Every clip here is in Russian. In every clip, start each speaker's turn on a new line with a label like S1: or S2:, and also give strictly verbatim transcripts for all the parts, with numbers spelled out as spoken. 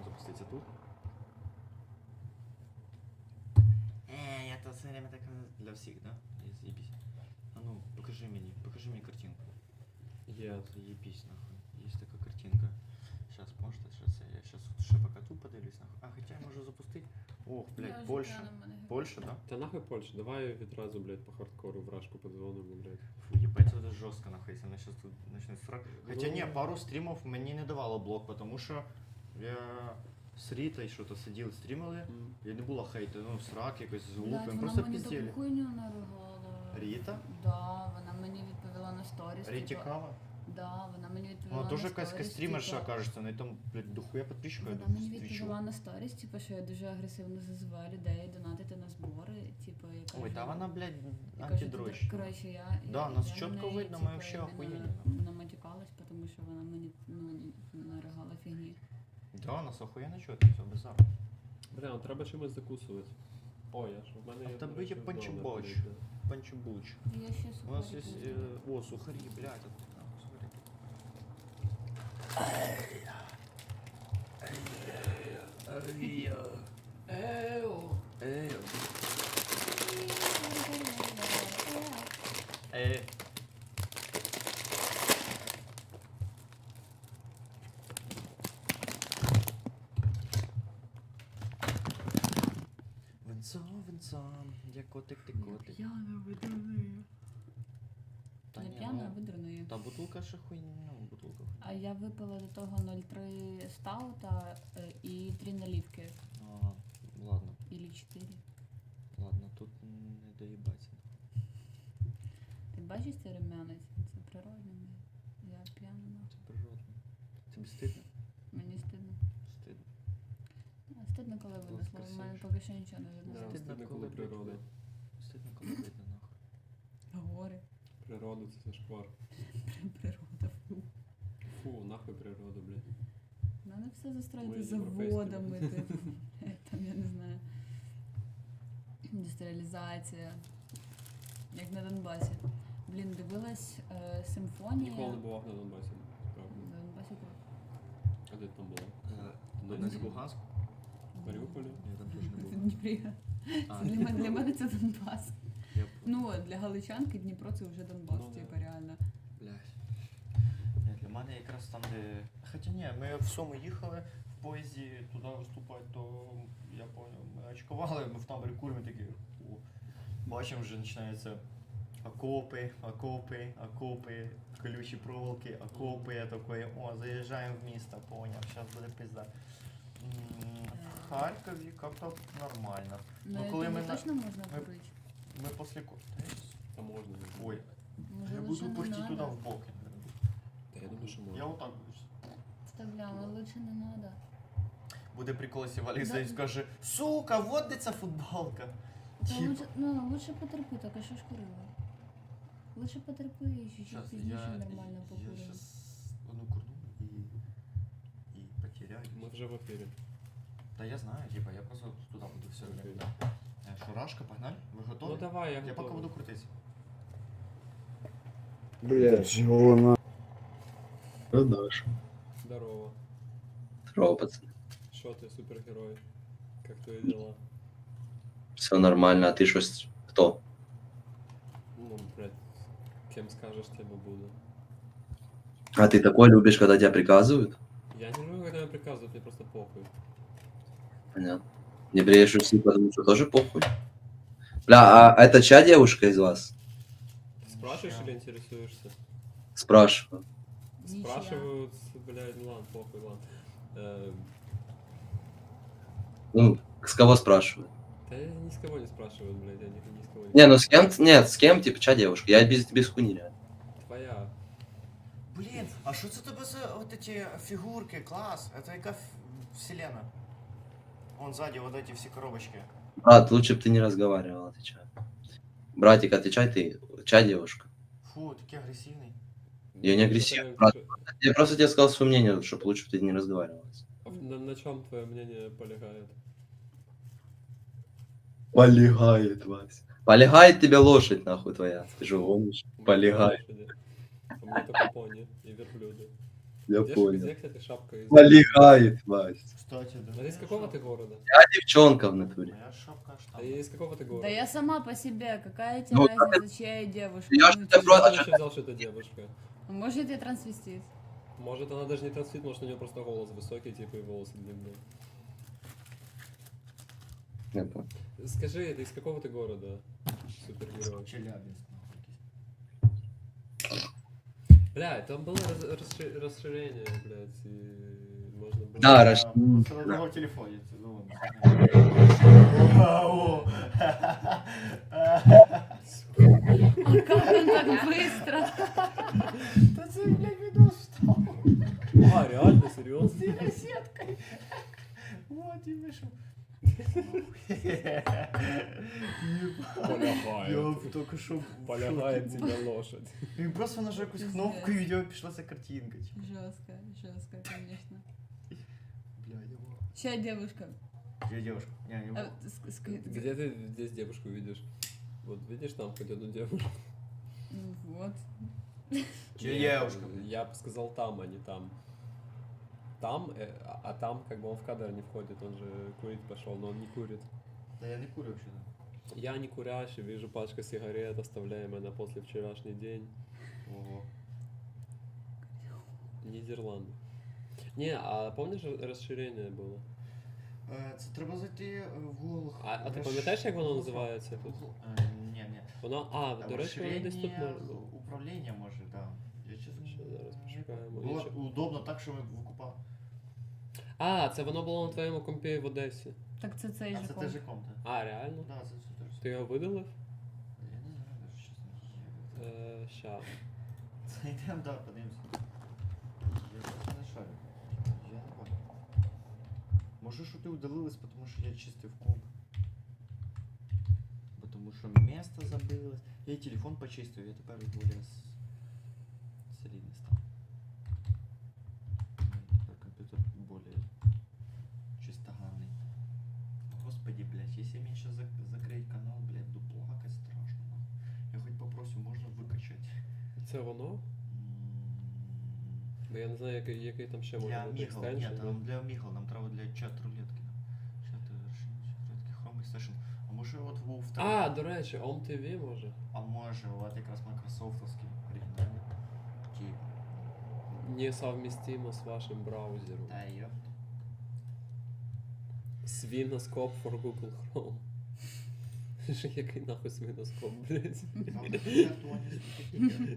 S1: Можем запуститься тут. Э, я то все время так для всех, да? Я заебись. А ну, покажи мне, покажи мне картинку.
S2: Є.
S1: Заебись, нахуй. Есть такая картинка. Сейчас, может, сейчас я сейчас ще пока тут подивлюсь, нахуй. А, хотя я можу запустити. Ох, блядь, Польща. Польща, да?
S2: Та нахуй Польща, давай відразу, блядь, по хардкору вражку подзвонимо, блядь.
S1: Фу, ебать, это жестко, нахуй, если она сейчас тут начнет срать. Хотя
S2: Ну.
S1: не, пару стримов мені не давало блок, потому що я з Рітой що-то сидів, стрімили,
S2: М.
S1: і не було хейту, ну, срак якось з
S3: Блядь,
S1: глупим,
S3: вона
S1: просто
S3: мені
S1: піздєлі.
S3: таку хуйню наригала.
S1: Ріта?
S3: Да, вона мені відповіла на сторіс.
S1: Ріті
S3: типа-
S1: Кава?
S3: Да, вона мені відповіла
S1: Вона
S3: на
S1: теж якась
S3: сторіс,
S1: стрімерша,
S3: типа-
S1: кажеться, на там, блядь, дохуя підписчика.
S3: Вона мені відповіла на сторіс, типу, що я дуже агресивно зазиваю людей донатити на збори, типу, я кажу,
S1: Ой, та вона, блядь,
S3: я кажу,
S1: антидрощ.
S3: «Ти- коротше, я,
S1: Да,
S3: я,
S1: нас
S3: я
S1: чітко
S3: на неї,
S1: видно, ми
S3: типу,
S1: вообще
S3: іменно
S1: охуєнні.
S3: наматюкалась, тому що вона мені, ну, наригала фігні.
S1: Да, нас охуєнно чути, все, базар.
S2: Бля, ну треба чимось закусувати. О, я ж, в мене
S1: А
S2: є...
S1: в тебе
S2: до речі,
S1: є
S2: вдома,
S1: панчобоч.
S2: блядь, да.
S1: Панчубуч.
S3: Я ще
S1: У нас
S3: сухарики
S1: есть,
S3: візьму.
S1: э, о, сухари, блядь, вот, нахуй, сухари. Э. Венцо, венцо, я котик, ти котик.
S3: П'яна видурною.
S1: Та
S3: Не
S1: ні,
S3: п'яна, а
S1: ну,
S3: видурною.
S1: та бутылка ще хуйня, ну, бутылка.
S3: А я випила до того нуль три стаута е, і три наливки.
S1: А, ладно,
S3: Ілі чотири.
S1: ладно, тут не доїбаться.
S3: Ти бачиш цей рум'янець? Це природне. Я п'яна.
S1: Це природно. Тобі стидно?
S3: Мені стидно.
S1: Стидно.
S3: А, стидно, коли
S1: Будь
S3: винесло. У мене
S1: красивіше.
S3: поки що нічого не
S2: Да,
S3: видно.
S2: стидно, коли природа.
S1: Стидно, коли видно, нахуй.
S3: Гори.
S2: Природа це зашквар.
S3: Природа. Фу.
S2: Фу, нахуй природа, блядь.
S3: Надо все застроїти
S2: Ми європейські
S3: заводами,
S2: люди.
S3: типу. Там, я не знаю. Індустріалізація. Як на Донбасі. Блін, дивилась е, симфонія.
S2: Ніколи не бував на Донбасі. Правда.
S3: На Донбасі круто.
S2: А де ти там була?
S1: Донецьк, Луганськ?
S2: В Маріуполі?
S1: Ні, там теж не
S3: Це
S1: було.
S3: Дніпрі.
S1: А,
S3: Це для мене, для мене це Донбас.
S1: я
S3: Ну, для галичанки Дніпро це вже Донбас,
S2: Ну, да.
S3: типу, реально.
S1: Блядь. Ні, для мене якраз там, де... Хоча ні, ми в Суму їхали в поїзді туди виступати, то я поняв, ми очкували, ми в таборі куримо такі, о, бачимо, вже починаються окопи, окопи, окопи, колючі проволоки, окопи, я такий, о, заїжджаємо в місто, поняв, зараз буде пизда. М, В Харкові як-то нормально.
S3: Ну,
S1: Ну, коли
S3: тобі
S1: ми на-
S3: точно можна
S1: ми-
S3: курити?
S1: Ми після ко- Та я щас-
S2: Там можна.
S1: Ой,
S3: Може,
S1: я
S3: лучше
S1: буду
S3: не
S1: пихти туди
S3: надо?
S1: в боки.
S2: Та я думаю, що
S1: Я
S2: можна.
S1: отак буду.
S3: Та бля, ну лучше не надо.
S1: Буде прикол, якщо Валік
S3: Да.
S1: Заїць скаже, сука, вот де ця футболка.
S3: Та
S1: Типа.
S3: лучше, ну, лучше потерпи, так а що ж курила? Лучше потерпи і чуть-чуть
S1: Щас,
S3: пізніше
S1: я,
S3: нормально
S1: я
S3: покуримо.
S1: щас одну курну і, і потеряю.
S2: Ми вже в ефірі.
S1: Та я знаю, типа, я просто туди буду все
S2: Окей.
S1: время. Е, Шурашка, погнали? Ви готові?
S2: Ну давай, я
S1: я поки
S2: готовий.
S1: буду крутитися.
S4: Блядь, чего на... Продаж.
S2: Здорово.
S5: Здорово, пацан.
S2: Що ти, супергерой? Как твої дела?
S5: Все нормально, а ты что, с- кто?
S2: Ну, блядь, кем скажешь, тем и буду.
S5: А ты такой любишь, когда тебя приказывают?
S2: Я не люблю, когда мне приказывают, мне просто похуй.
S5: Понятно. Не бреешь усы, потому что тоже похуй. Бля, а это чья девушка из вас?
S2: Ты спрашиваешь
S1: Ща.
S2: или интересуешься?
S5: Спрашиваю.
S3: Нічия.
S2: Спрашивают, блядь, ну ладно, похуй, ладно. Э,
S5: Ну, с кого спрашиваю?
S2: да я ни с кого не спрашиваю, блядь, я ни, ни с кого не
S5: Не, ну с кем? Нет, с кем, типа, чья девушка? Я без, без хуйни реально.
S2: Твоя.
S1: Блін, а що це тебе за от ці фігурки, клас? Це яка ф- вселена? Вон сзади вот эти все коробочки.
S5: Брат, лучше бы ты не разговаривал, отвечай. Братик, отвечай ты, чья девушка?
S1: Фу, такий агресивний.
S5: Я не
S2: Ну,
S5: агрессивный,
S2: что-то-
S5: брат. Я просто тебе сказал свое мнение, чтобы лучше бы ты не разговаривал.
S2: А На, на чем твое мнение полегает?
S5: Полегает, Вася. Полегает тебе лошадь, нахуй твоя. Ты же гонишь.
S2: У меня
S5: Полегает.
S2: лошади. У меня только пони и верблюды.
S4: Я
S2: Где, ж-
S4: понял.
S2: где, кстати, шапка из...
S4: Полегает, Вась.
S1: Кстати, да.
S2: А из какого ты города?
S5: Я девчонка в натуре.
S1: Моя шапка аж
S2: А
S1: там.
S2: из какого ты города?
S3: Да я сама по себе, какая тебе
S5: Ну,
S3: разница, чья я девушка?
S5: Я ж
S3: Ну,
S5: тебя
S3: типа,
S5: просто-
S2: Ты вообще взял, что это девушка?
S3: Может, я трансвестит?
S2: Может, она даже не трансфит, может, у нее просто голос высокий, типа, и волосы длинные.
S5: Это.
S2: Скажи, это из какого ты города? Супергерой.
S1: Челябинск, нахуй.
S2: Бля, там было раз- расши- расширение, блядь, и можно было...
S5: Да,
S1: А,
S5: Раш.
S1: просто на другом телефоне. ты, ну, ладно. Вау.
S3: А как он так быстро?
S1: Та це, блядь, видос встал.
S2: А, реально, серьезно?
S1: С сеткой. Вот и вышел.
S2: Полягает.
S1: Я только що
S2: Полягает тебе лошадь.
S1: Він просто нажав якусь кнопку і у нього пішла ця картинка. типу.
S3: Жестко, жестко, конечно.
S1: Бля, его.
S3: Чья девушка?
S1: Я девушка. Не, его.
S3: А, ск- ск-
S2: Где ты здесь девушку видишь? Вот видишь там хоть одну девушку?
S3: Ну вот.
S1: Чья
S2: Нет,
S1: девушка?
S2: Я бы сказал там, а не там. Там, э, а а там как бы он в кадр не входит, он же курить пошел, но он не курит.
S1: Да я не курю вообще.
S2: Я не курящий, вижу пачка сигарет, оставляемая на после вчерашний день.
S1: Ого.
S2: Нидерланды. Не, а помнишь, р- расширение было?
S1: Е, Це треба зайти е, в Google.
S2: А, а ти
S1: Розш-
S2: пам'ятаєш, як воно
S1: Google-
S2: називається тут?
S1: Google- е, Ні, ні.
S2: Воно, а, до речі, воно десь тут
S1: Розширення
S2: може бути.
S1: управління може, так. Я чесно.
S2: Ще зараз
S1: не
S2: пошукаємо.
S1: Було
S2: Інше.
S1: удобно так, що ми викупали.
S2: А, це воно було на твоєму компі в Одесі.
S3: Так це цей
S1: А
S3: же
S1: це
S3: ком.
S1: теж ком, так?
S2: А, реально?
S1: Так, це це теж.
S2: Ти його видалив?
S1: Я не знаю, навіть, чесно.
S2: Е, ща.
S1: Це йдемо, так, подивимося. Я просто не шарю. Я не бачу. Може, що ти удалилась, тому що я чистив комп. Потому що место забилось. Я і телефон почистив, я тепер более с- солідний став. У мене тепер комп'ютер более чистоганний. Господи, блядь, если мне сейчас зак- закрыть канал, блядь, буду плакать страшно. нахуй. Я хоть попросю, можно выкачать.
S2: Це воно?
S1: М,
S2: Бо я не знаю, який, який там ще може
S1: Для
S2: бути
S1: Мігл,
S2: екстеншн.
S1: ні, там для Мігл, нам треба для чат рулетки. Чат рулетки, Chrome Extension. А може от в
S2: А, до речі, Ом Ті Ві може?
S1: А може, от якраз майкрософтовський оригінальний. Типа.
S2: Несовместимо з вашим браузером.
S1: Та йо.
S2: Свіноскоп for Google Chrome. Що який нахуй свіноскоп, блядь?
S1: Вам такі картоні такі.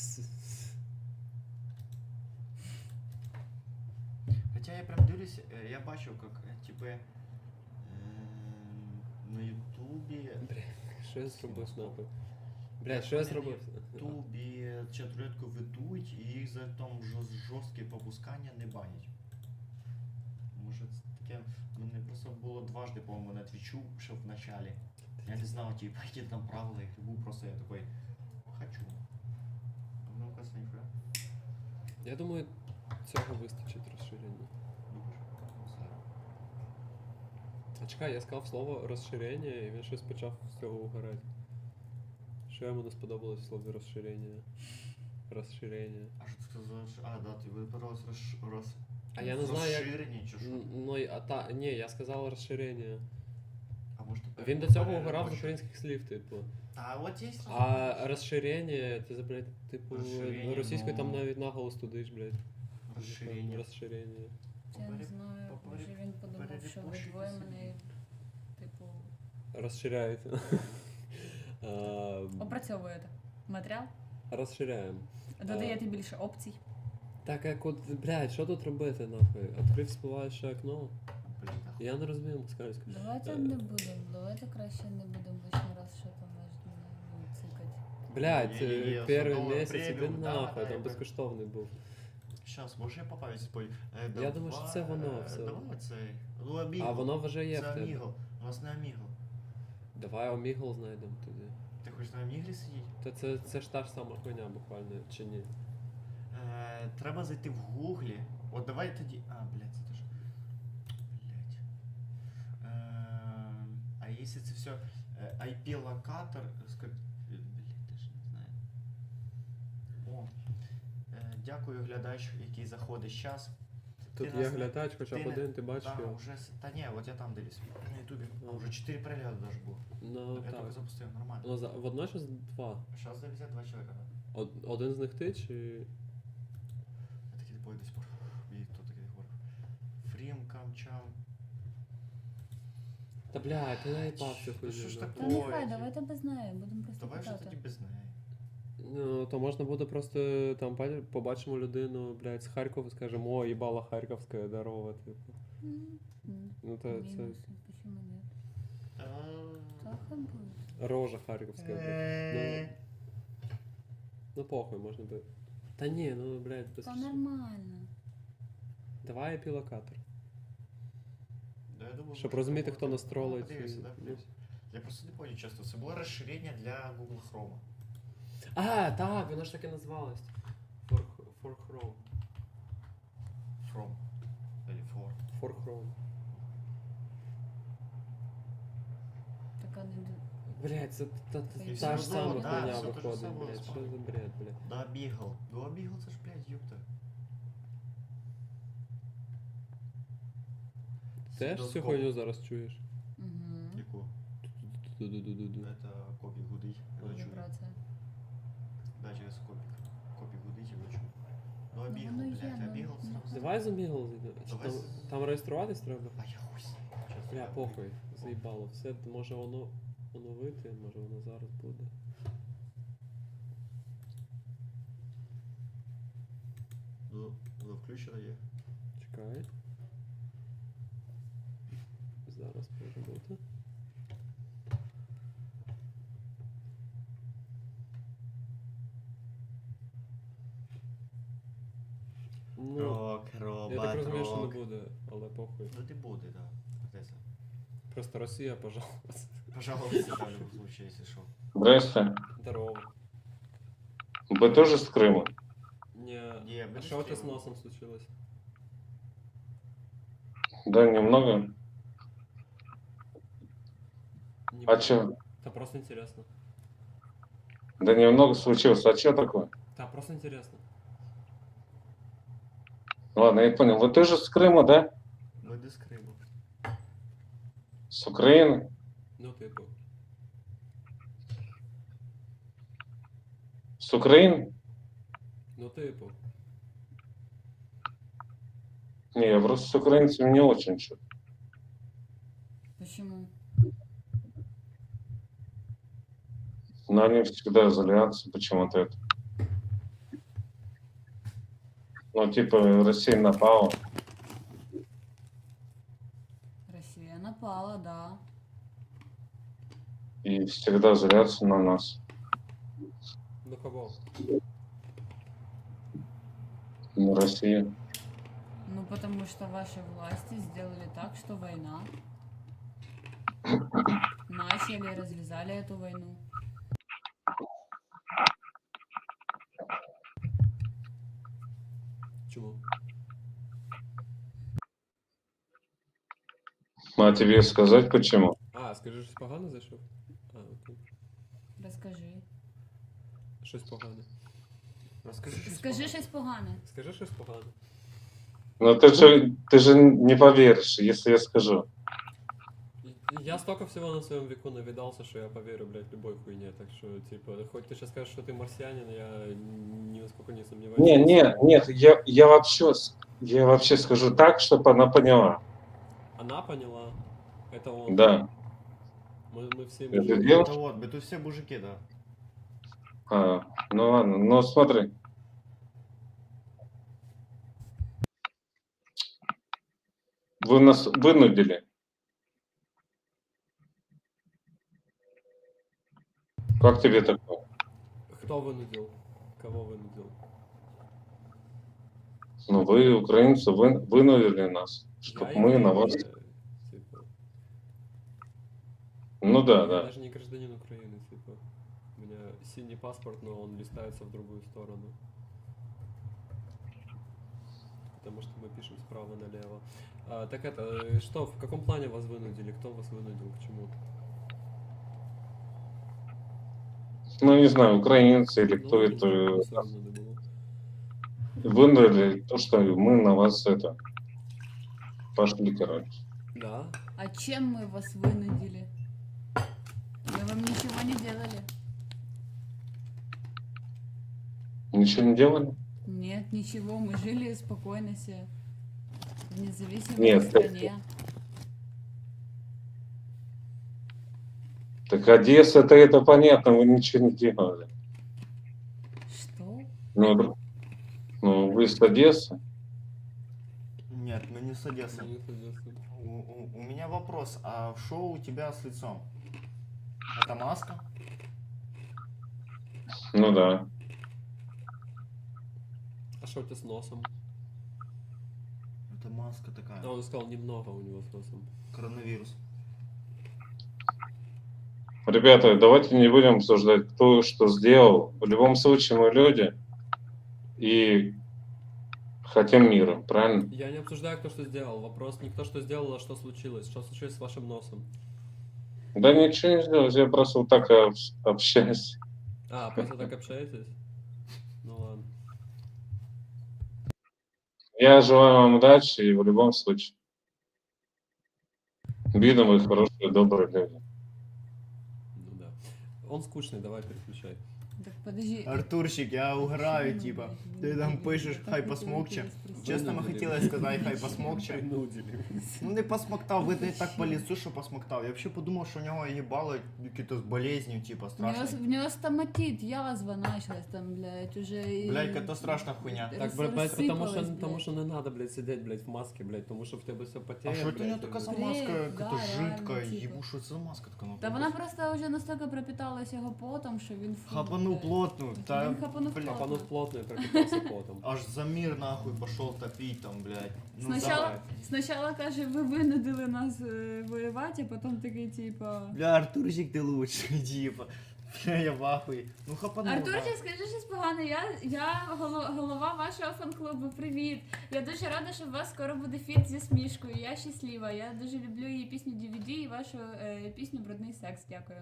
S1: Хоча я прям дивлюсь, е, я бачив, як, е, типу, е, на Ютубі,
S2: Бля, що я зробив нахуй? Бля, що я зробив?
S1: в Ютубі чат рулетку ведуть і їх за там жорст- жорсткі попускання не банять. Може це таке, в мене просто було дважди, по-моєму, на твічу, ще в началі. Я не знав, типа, які там правила, їх був просто я такой, хочу. А ну-ка, ніхуя.
S2: Я думаю, цього вистачить розширення.
S1: Думаєш?
S2: А чекай, я сказав слово розширення, і він щось почав з цього угорати. Що йому не сподобалось в слові розширення? Розширення.
S1: А що ти сказав? що- А, да, ти вибиралась роз... роз...
S2: А я не знаю, як...
S1: розширення чи що?
S2: Н- Ну, і- а та, ні, я сказав розширення.
S1: А може ти
S2: Він до цього
S1: пере-
S2: угорав з
S1: пере-
S2: українських слів, типу.
S1: А от є
S2: А розширення, ти, блядь, типу,
S1: Розширення,
S2: російською там
S1: ну.
S2: навіть наголос тудиш, блядь.
S1: розширення.
S2: Розширення.
S3: Я не
S1: Попери-
S3: знаю,
S1: попери-
S3: може він подумав, що ви
S1: перепошуйте
S3: двоє
S1: собі.
S3: мене, типу,
S2: Розширяєте. Ем,
S3: опрацьовуєте. Матеріал?
S2: Розширяємо.
S3: Додаєте більше опцій.
S2: Так як от, блядь, що тут робити, нахуй? Відкрив спливаюче окно.
S1: Блін, нахуй.
S2: Я не розумію москальську.
S3: Давайте
S2: Е,
S3: не будемо, давайте краще не будемо лишній раз що там можна ну, цикати.
S2: Блядь,
S1: Є-є-є,
S2: е, перший
S1: садовий
S2: місяць іди
S1: преміум, да,
S2: нахуй,
S1: да,
S2: там
S1: я
S2: безкоштовний був.
S1: Щас, може я попавлюсь спой. Е,
S2: Я думаю, що це воно все.
S1: Давай цей. Ну, Amigo.
S2: А воно вже є
S1: Це
S2: в тебе.
S1: Amigo. У нас не Amigo.
S2: Давай Омігл знайдемо тоді.
S1: Ти хочеш на Amigo сидіти?
S2: Та це, це ж та ж сама хуйня буквально, чи ні?
S1: Е, треба зайти в гуглі. От давай тоді. А, блядь, це теж. Блядь. Е, а якщо це все е, ай пі-локатор. ска- Блядь, теж не знаю. О. Е, дякую глядач, який заходить зараз.
S2: Тут
S1: Ти
S2: є
S1: нас не-
S2: глядач, хоча б
S1: ти не-
S2: один, ти бачиш
S1: Та,
S2: його.
S1: вже, с- та ні, от я там дивлюсь на ютубі. А вже чотири перегляди даже було.
S2: Ну
S1: Я тільки
S2: так.
S1: запустив, нормально.
S2: Ну, за- водночас два.
S1: Зараз дивлюся два чоловіка. Да.
S2: Од- Один з них ти чи.
S1: Я такий типу до сих пор. І хто такий говорив? Фрім, камчам.
S2: Та бля, ти наїбався
S1: Та що ж
S2: хуйню.
S1: таке?
S3: Та
S1: Ой,
S3: нехай,
S1: ті-
S3: давайте без неї, будемо просто
S1: Давай вже тоді
S3: питати.
S1: без неї.
S2: Ну, то можна буде просто там па- побачимо людину, блядь, з Харкова, скажемо, о, їбала Харківська, здорово, типу.
S3: М, м,
S2: Ну то це
S3: Мінуси, почему нет?
S1: Та...
S3: Так и будет.
S2: рожа Харківська, блядь.
S1: Е,
S2: Ну, ну похуй, можна би. Та ні, ну, блядь, без.
S3: Та нормально.
S2: Давай епілокатор.
S1: Да, я думаю,
S2: Щоб
S1: може,
S2: розуміти,
S1: було
S2: хто
S1: так.
S2: нас тролить.
S1: Ну, подивися,
S2: і-
S1: да, подивися. Я просто не понял часто. Це було розширення для Google Chrome.
S2: А, так, воно ж таки назвалось. For, for Chrome.
S1: From. Или for.
S2: For Chrome.
S3: Така не ду-
S2: Блядь, це та, та,
S3: І
S2: та
S3: все
S2: ж
S3: одно,
S2: сама
S3: да,
S2: хуйня
S1: все те ж
S2: виходить,
S1: саме
S2: блядь. Що
S1: виходить.
S2: за бред, блядь.
S1: Да, бігал. Да, бігал, це ж, блядь, ёпта.
S2: Теж цю
S1: Доскоп.
S2: хуйню зараз чуєш?
S3: Мгм.
S1: Яку?
S2: Ду-ду-ду-ду-ду.
S1: Это копік гудить. Я чую.
S3: Вібрація.
S1: Да, через копік. Копік гудить, я чую. Ну, а
S3: Ну,
S1: бігал,
S3: воно є,
S1: блядь, а
S3: ну,
S1: бігал
S3: ну,
S1: сразу.
S2: Давай за Мігл зайдемо. Чи
S1: Давай
S2: Там,
S1: з-
S2: там реєструватись треба?
S1: А я хуй знаю. Щас
S2: Бля,
S1: я-
S2: похуй, заїбало. Все, може воно оновити, може воно зараз буде.
S1: Ну, ну, включено є.
S2: Чекай. Зараз може бути. Ну,
S1: Рок,
S2: я
S1: робот,
S2: так розумію, що
S1: рок.
S2: не буде, але похуй.
S1: Ну, ти буде, да. Десь.
S2: Просто Росія, пожалуйста.
S1: Пожалуйста, да, в любом случае, если что.
S6: Здрасте.
S2: Здорово.
S6: Вы тоже с Крыма?
S2: Не,
S1: Не, мы
S2: а
S1: не
S2: что у тебя с
S1: скинули.
S2: носом случилось?
S6: Да, немного.
S2: Не
S6: А
S2: понял.
S6: чё?
S2: Да просто интересно.
S6: Да немного случилось. А что такое?
S2: Да, просто интересно.
S6: Ладно, я понял. Вы тоже с Крыма, да?
S1: Мы до скрипу.
S6: С Украины?
S2: Ну ты был.
S6: С Украины?
S2: Ну ты был.
S6: Не, я просто с украинцами не очень что.
S3: Почему?
S6: Но они всегда злятся почему-то это. Ну, типа, Россия напала.
S3: Росія напала, да.
S6: И всегда злятся на нас.
S2: Ну кого?
S6: На Россию.
S3: Ну, потому что ваши власти сделали так, что война. Начали, развязали эту войну.
S2: Чему?
S6: А тебе сказать почему?
S2: А, скажи, щось погано зайшов? А, окей.
S3: Розкажи.
S2: Щось погане.
S1: Расскажи, что
S3: Скажи щось погане.
S2: Скажи щось погане.
S6: Ну, ты же, ты же не поверишь, если я скажу.
S2: И- Я столько всего на своем веку навидался, что я поверю, блядь, любой хуйне. Так что, типа, хоть ты сейчас скажешь, что ты марсианин, я ни насколько не сомневаюсь.
S6: Не, не, нет, я, я вообще, с- я вообще скажу так, чтобы она поняла.
S2: Она поняла. Это он.
S6: Да.
S2: Мы, мы все
S6: Это
S2: мужики.
S6: дело?
S1: Это вот, мы тут все мужики, да.
S6: А, ну ладно, ну смотри. Вы нас вынудили. Как тебе такое?
S2: Кто вынудил? Кого вынудил?
S6: Ну вы, украинцы, вы, вынудили нас, чтобы
S2: Я
S6: мы
S2: еврей,
S6: на вас...
S2: я, типа,
S6: Ну да,
S2: я
S6: да.
S2: даже не гражданин Украины, типа. У меня синий паспорт, но он листается в другую сторону. Потому что мы пишем справа налево. А, так это, э, что, в каком плане вас вынудили? Кто вас вынудил к чему?
S6: Ну не знаю, украинцы или
S2: Ну,
S6: кто
S2: нічого
S6: это.
S2: особливого не було.
S6: вынудили то, что мы на вас это пошли, короче.
S2: Да?
S3: А чем мы вас вынудили? Мы вам ничего не делали.
S6: Ничего не делали?
S3: Нет, ничего, мы жили спокойно себе. В независимой
S6: Нет,
S3: стране.
S6: Так Одесса, это, это понятно, вы ничего не делали.
S3: Что?
S6: Ну, ну вы с Одессы?
S1: Нет, мы не с Одессы.
S2: Ну, соответственно.
S1: У, у- у меня вопрос, а что у тебя с лицом? Это маска?
S6: Ну да.
S2: А что у тебя с носом?
S1: Это маска такая.
S2: А он сказал, немного у него с носом.
S1: Коронавирус.
S6: Ребята, давайте не будем обсуждать, кто что сделал. В любом случае мы люди и хотим мира, правильно?
S2: Я не обсуждаю, кто что сделал. Вопрос не кто что сделал, а что случилось. Что случилось с вашим носом?
S6: Да ничего не сделал, я просто вот так общ- общаюсь.
S2: А, просто так общаетесь? Ну ладно.
S6: Я желаю вам удачи и в любом случае. Видно, вы хорошие, добрые люди.
S2: Ну да. Он скучный, давай переключай.
S3: Так подожди.
S1: Артурчик, я угораю, типа. Ти там пишеш, хай посмокче. Чесно, ми хотіли сказати, хай посмокче.
S2: Принудили.
S1: Ну не посмоктав, видно і так по лісу, що посмоктав. Я взагалі подумав, що у нього їбало якісь з болезнью, типа,
S3: В него,
S1: страшно.
S3: в него стоматит, язва началась там, блядь, уже... и-
S1: Блядь, это страшна хуйня.
S2: Так,
S3: рас-
S2: блядь, потому что,
S3: рассыпалась,
S2: потому
S3: блядь.
S2: что не надо, блядь, сидеть, блядь, в маске, блядь, потому что в тебе все
S1: А
S2: потеет,
S1: що це у нього
S2: блядь,
S1: така за
S2: и-
S1: маска,
S3: Бред, да,
S1: яка жидка,
S3: реально, типа.
S1: їбу, що це за маска така
S3: Та вона просто вже настільки пропиталась його потом, що він... фу,
S1: Хапанув
S3: блядь.
S1: плотну, та,
S3: Він хапанув
S1: блядь,
S3: плотно.
S2: Хапанув плотно и пропитался потом.
S1: аж за мир нахуй пошел топить там, блядь. Ну,
S3: Спочатку,
S1: давай.
S3: спочатку каже, ви винудили нас е, воювати, а потім такий, типа...
S1: Бля, Артурчик, ти лучший, типа. Бля, я в ахуї. Ну хапанув.
S3: Артурчик, скажи щось погане, я, я голо- голова вашого фан-клубу, привіт. Я дуже рада, що у вас скоро буде фіт зі Смішкою, я щаслива. Я дуже люблю її пісню ді ві ді і вашу е, пісню «Брудний секс», дякую.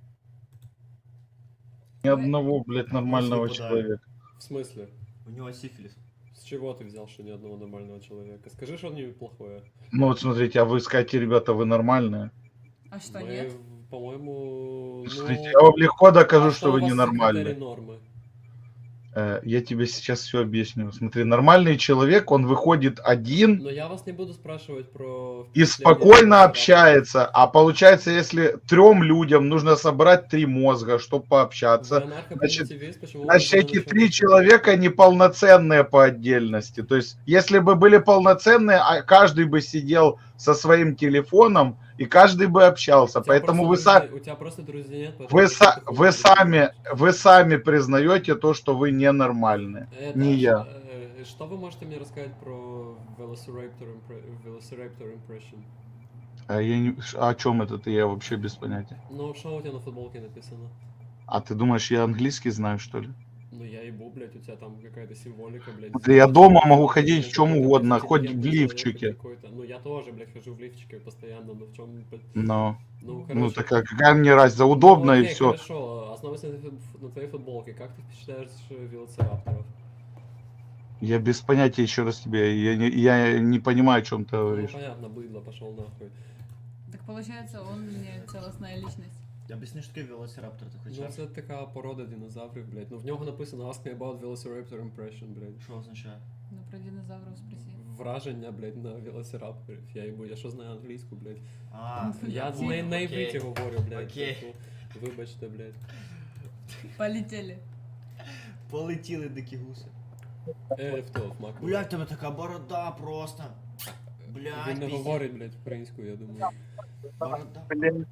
S4: Ни одного, блядь, нормального
S1: После
S4: человека.
S2: В смысле?
S1: У нього сифіліс.
S2: С чего ты взял, что ни одного нормального человека? Скажи что-нибудь плохое.
S4: Ну вот смотрите, а вы скажете, ребята, вы нормальные?
S3: А що,
S2: Мы,
S3: нет?
S2: по-моему, ну...
S4: Смотрите, я вам легко докажу,
S2: а
S4: что
S2: у
S4: вы
S2: вас
S4: ненормальные.
S2: критерий нормы?
S4: Э, Я тебе сейчас все объясню. Смотри, нормальный человек, он выходит один
S2: Но я вас не буду спрашивать про...
S4: и
S2: впечатления
S4: спокойно
S2: от
S4: общается. А получается, если трем людям нужно собрать три мозга, чтобы
S2: Вы
S4: пообщаться,
S2: анархопримитивист, почему вы
S4: значит,
S2: должны
S4: эти
S2: начать-
S4: три человека неполноценные по отдельности. То есть, если бы были полноценные, а каждый бы сидел со своим телефоном, и каждый бы общался.
S2: У тебя
S4: Поэтому вы,
S2: просто
S4: са-
S2: друзей- У тебя просто друзей нет. поэтому
S4: вы,
S2: ты
S4: са-
S2: такой
S4: вы,
S2: хуй
S4: сами, вы сами признаете то, что вы ненормальные.
S2: Это
S4: Не
S2: ж,
S4: я.
S2: э, Что вы можете мне рассказать про Velociraptor, impre- Velociraptor Impression?
S4: А я не- о чем это я вообще без понятия.
S2: Ну, что у тебя на футболке написано?
S4: А ты думаешь, я английский знаю, что ли?
S2: Ну, я ебу, блядь, у тебя там какая-то символика, блядь.
S4: Да я дома могу
S2: Ты
S4: ходить в чем
S2: какой-то
S4: угодно, хоть в
S2: интеллигентный человек
S4: лифчике.
S2: какой-то. Ну, я тоже, блядь, хожу в лифчике постоянно, но в чем...
S4: Но,
S2: Ну, короче.
S4: ну так а какая мне разница,
S2: Ну,
S4: удобно и
S2: окей,
S4: все.
S2: хорошо, основываясь на, твоей фут- на твоей футболке, как ты впечатляешь велоцирапторов?
S4: Я без понятия еще раз тебе, я не, я не понимаю, о чем ты
S2: Ну,
S4: говоришь.
S2: понятно, быдло, пошел нахуй.
S3: Так получается, он не целостная личность.
S1: Об'ясни, що таке велоцираптор, ти
S2: Ну,
S1: хочеш?
S2: це така порода динозаврів, блядь. Ну, в нього написано Ask me about Velociraptor impression, блядь.
S1: Що означає?
S3: Ну, про динозавров спроси.
S2: Враження, блядь, на велоцирапторів. Я їбу, я що знаю англійську, блядь.
S1: А,
S2: Я
S3: Ті-
S2: на, на
S1: окей.
S2: івриті говорю, блядь.
S1: Окей.
S2: типу, Вибачте, блядь.
S3: Полетели.
S1: Полетіли дикі гуси.
S2: Е, в то, в маку.
S1: Блядь, в тебе така борода просто. Блядь,
S2: Він не
S1: пиздец.
S2: говорить, блядь, українською, я думаю.
S1: Борода.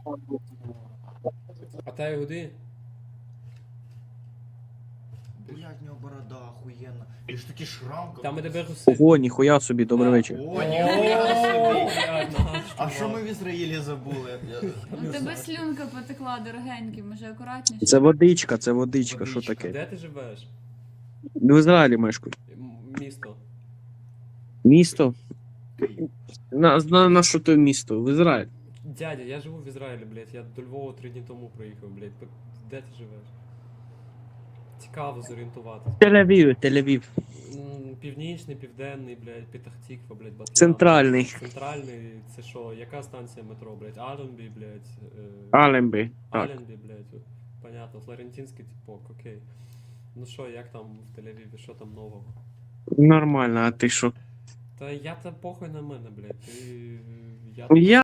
S2: А та Ігуди?
S1: Блядь, в нього борода охуєнна. І ж такий шрам. как-
S2: Там і тебе гуси.
S7: Ого, ніхуя собі, добрий
S2: А,
S7: вечір.
S1: О, ніхуя собі.
S2: блядь, наш,
S1: А що
S2: чувак.
S1: ми в Ізраїлі забули?
S3: У тебе слюнка потекла дорогенькі, може акуратніше?
S7: Це водичка, це водичка, що
S1: Водичка.
S7: таке?
S2: Де ти живеш?
S7: В Ізраїлі мешкаю.
S2: М- Місто.
S7: Місто? На, на, на що то місто? В Ізраїль.
S2: Дядя, я живу в Ізраїлі, блядь. Я до Львова три дні тому приїхав, блядь. П- Де ти живеш? Цікаво зорієнтуватись.
S7: Тель-Авів, Тель-Авів.
S2: М, Північний, південний, блядь, Петахтіква, блядь, Батлян.
S7: Центральний.
S2: Центральний, це що, яка станція метро, блядь? Аленбі, блядь. е,
S7: Алембі. Так.
S2: Аленбі, блядь. от, Понятно, Флорентинський типок, окей. Ну що, як там в Тель-Авіві, що там нового?
S7: Нормально, а ти що?
S2: Та я та похуй на мене, блядь. Ти... Я
S7: Я